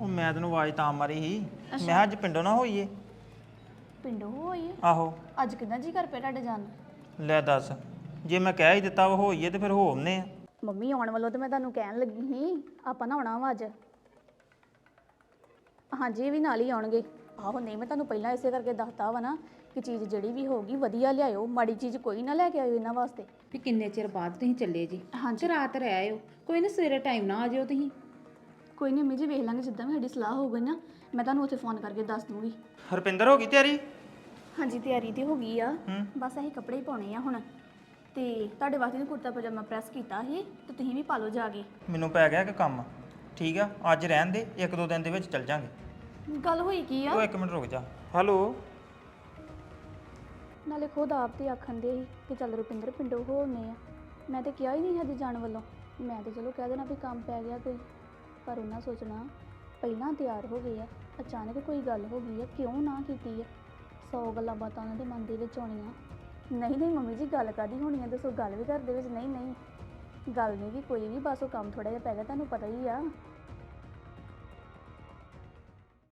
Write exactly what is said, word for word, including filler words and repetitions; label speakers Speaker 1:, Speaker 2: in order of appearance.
Speaker 1: ਉਹ ਮੈਂ ਤੈਨੂੰ ਆਵਾਜ਼ ਤਾਂ ਮਾਰੀ ਸੀ ਮੈਂ ਕਿਹਾ ਅੱਜ ਪਿੰਡੋਂ ਨਾ ਹੋਈਏ।
Speaker 2: ਪਿੰਡੋਂ ਹੋਈ ਹੈ?
Speaker 1: ਆਹੋ
Speaker 2: ਅੱਜ ਕਿੱਦਾਂ ਜੀ ਕਰ ਪਿਆ ਤੁਹਾਡੇ ਜਾਣ ਨੂੰ?
Speaker 1: ਲੈ ਦੱਸ, ਜੇ ਮੈਂ ਕਹਿ ਹੀ ਦਿੱਤਾ ਉਹ ਹੋਈਏ ਤੇ ਫਿਰ ਹੋ ਆਉਂਦੇ ਆ।
Speaker 2: ਮੰਮੀ ਆਉਣ ਵੱਲੋਂ ਤੇ ਮੈਂ ਤੁਹਾਨੂੰ ਕਹਿਣ ਲੱਗੀ ਸੀ ਆਪਾਂ ਨਾ ਆਉਣਾ ਵਾ ਅੱਜ। ਹਾਂਜੀ ਇਹ ਵੀ ਨਾਲ ਹੀ ਆਉਣਗੇ। ਆਹੋ ਨਹੀਂ ਮੈਂ ਤੁਹਾਨੂੰ ਪਹਿਲਾਂ ਇਸੇ ਕਰਕੇ ਦੱਸਤਾ ਵਾ ਨਾ ਕਿ ਚੀਜ਼ ਜਿਹੜੀ ਵੀ ਹੋਊਗੀ ਵਧੀਆ ਲਿਆਇਓ, ਮਾੜੀ ਚੀਜ਼ ਕੋਈ ਨਾ ਲੈ ਕੇ ਆਇਓ ਇਹਨਾਂ ਵਾਸਤੇ।
Speaker 3: ਵੀ ਕਿੰਨੇ ਚਿਰ ਬਾਅਦ ਤੁਸੀਂ ਚੱਲੇ ਜੀ?
Speaker 2: ਹਾਂਜੀ
Speaker 3: ਰਾਤ ਰਹਿ ਆਇਓ, ਕੋਈ ਨਾ ਸਵੇਰੇ ਟਾਈਮ ਨਾ ਆ ਜਿਓ ਤੁਸੀਂ।
Speaker 2: ਕੋਈ ਨਹੀਂ ਮੰਮੀ ਜੀ ਵੇਖ ਲਾਂਗੇ ਜਿੱਦਾਂ ਵੀ ਸਾਡੀ ਸਲਾਹ ਹੋਊਗੀ ਨਾ ਮੈਂ ਤੁਹਾਨੂੰ ਉੱਥੇ ਫੋਨ ਕਰਕੇ ਦੱਸ ਦੂੰਗੀ।
Speaker 1: ਹਰਪਿੰਦਰ ਹੋ ਗਈ ਤਿਆਰੀ?
Speaker 2: ਹਾਂਜੀ ਤਿਆਰੀ ਤੇ ਹੋ ਗਈ ਆ,
Speaker 1: ਹੂੰ।
Speaker 2: ਬਸ ਅਸੀਂ ਕੱਪੜੇ ਹੀ ਪਾਉਣੇ ਆ ਹੁਣ। ਤੇ ਤੁਹਾਡੇ ਵਾਸਤੇ ਨਾ ਕੁੜਤਾ ਪਜਾਮਾ ਪ੍ਰੈਸ ਕੀਤਾ ਸੀ ਤੇ ਤੁਸੀਂ ਵੀ ਪਾ ਲਓ ਜਾ ਕੇ।
Speaker 1: ਮੈਨੂੰ ਪੈ ਗਿਆ ਕਿ ਕੰਮ, ਠੀਕ ਆ ਅੱਜ ਰਹਿਣ ਦੇ, ਇੱਕ ਦੋ ਦਿਨ ਦੇ ਵਿੱਚ ਚੱਲ ਜਾਾਂਗੇ।
Speaker 2: ਗੱਲ ਹੋਈ ਕੀ ਆ?
Speaker 1: ਉਹ ਇੱਕ ਮਿੰਟ ਰੁਕ ਜਾ। ਹੈਲੋ।
Speaker 2: ਨਾਲੇ ਖੁਦ ਆਪ ਤੇ ਆਖਣ ਦੇ ਸੀ ਕਿ ਚੱਲ ਰੁਪਿੰਦਰ ਪਿੰਡੋਂ ਹੋ ਆਉਂਦੇ ਆ। ਮੈਂ ਤੇ ਕਿਹਾ ਹੀ ਨਹੀਂ ਹਜੇ ਜਾਣ ਵੱਲੋਂ। ਮੈਂ ਤੇ ਚਲੋ ਕਹਿ ਦੇਣਾ ਵੀ ਕੰਮ ਪੈ ਗਿਆ ਕੋਈ, ਪਰ ਉਹਨਾਂ ਸੋਚਣਾ ਪਹਿਲਾਂ ਤਿਆਰ ਹੋ ਗਏ ਆ, ਅਚਾਨਕ ਕੋਈ ਗੱਲ ਹੋ ਗਈ ਆ, ਕਿਉਂ ਨਾ ਕੀਤੀ ਆ। ਸੌ ਗੱਲਾਂ ਬਾਤਾਂ ਉਹਨਾਂ ਦੇ ਮਨ ਦੇ ਵਿੱਚ ਆਉਣੀਆਂ। ਨਹੀਂ ਨਹੀਂ ਮੰਮੀ ਜੀ ਗੱਲ ਕਾਹਦੀ ਹੋਣੀ ਆ, ਦੱਸੋ ਗੱਲ ਵੀ ਘਰ ਦੇ ਵਿੱਚ? ਨਹੀਂ ਨਹੀਂ ਗੱਲ ਨਹੀਂ ਵੀ ਕੋਈ ਵੀ, ਬਸ ਉਹ ਕੰਮ ਥੋੜ੍ਹਾ ਜਿਹਾ ਪੈ ਗਿਆ, ਤੁਹਾਨੂੰ ਪਤਾ ਹੀ ਆ।